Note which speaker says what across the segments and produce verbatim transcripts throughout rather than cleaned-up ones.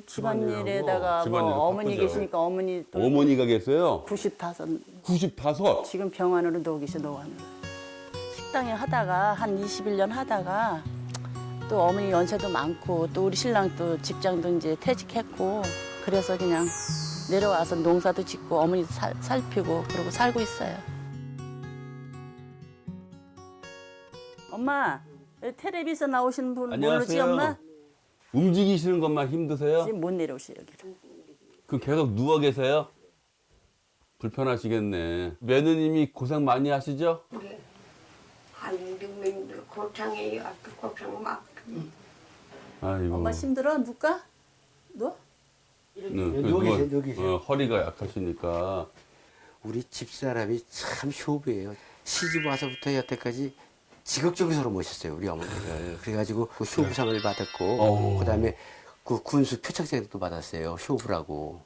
Speaker 1: 집안일에다가 뭐
Speaker 2: 집안일은
Speaker 1: 어머니
Speaker 2: 바쁘죠.
Speaker 1: 계시니까 어머니 또
Speaker 2: 어머니가 계세요?
Speaker 1: 구십다섯
Speaker 2: 구십오.
Speaker 1: 지금 병원으로 누워 계셔 노안으로. 식당에 하다가 한 이십일 년 하다가 또 어머니 연세도 많고 또 우리 신랑 또 직장도 이제 퇴직했고 그래서 그냥 내려와서 농사도 짓고 어머니도 살, 살피고 그러고 살고 있어요. 엄마 텔레비전 나오시는 분 모르지
Speaker 2: 안녕하세요.
Speaker 1: 엄마?
Speaker 2: 움직이시는 것만 힘드세요?
Speaker 1: 지금 못 내려오시 여기로.
Speaker 2: 그럼 계속 누워 계세요? 불편하시겠네. 며느님이 고생 많이 하시죠?
Speaker 3: 네. 한국민들 고창해요. 아주 고창 막.
Speaker 2: 아이고.
Speaker 1: 엄마 힘들어? 누가? 너?
Speaker 2: 네,
Speaker 4: 여기
Speaker 2: 누워-
Speaker 4: 계세요, 여기 계세요.
Speaker 2: 어, 허리가 약하시니까.
Speaker 4: 우리 집사람이 참 효부예요. 시집 와서부터 여태까지 지극적으로 서로 모셨어요, 우리 어머니를. 그래가지고 그 효부상을 받았고,
Speaker 2: 어.
Speaker 4: 그다음에 그 군수 표창장도 받았어요, 효부라고.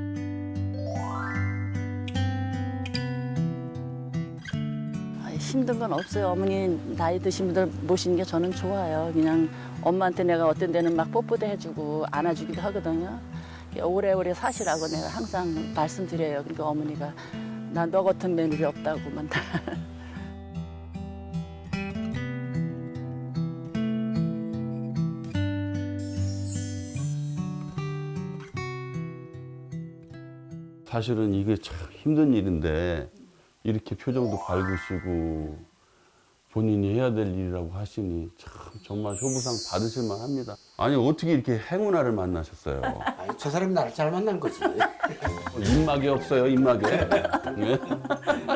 Speaker 1: 아, 힘든 건 없어요. 어머니 나이 드신 분들 모시는 게 저는 좋아요. 그냥 엄마한테 내가 어떤 데는 막 뽀뽀도 해주고 안아주기도 하거든요. 오래오래 사시라고 내가 항상 말씀드려요. 그러니까 어머니가 나 너 같은 며느리 없다고만.
Speaker 2: 사실은 이게 참 힘든 일인데 이렇게 표정도 밝으시고 본인이 해야 될 일이라고 하시니 참 정말 효부상 받으실 만합니다. 아니 어떻게 이렇게 행운아를 만나셨어요?
Speaker 4: 아니, 저 사람이 나를 잘 만난 거지.
Speaker 2: 입막이 없어요, 입막에. 네?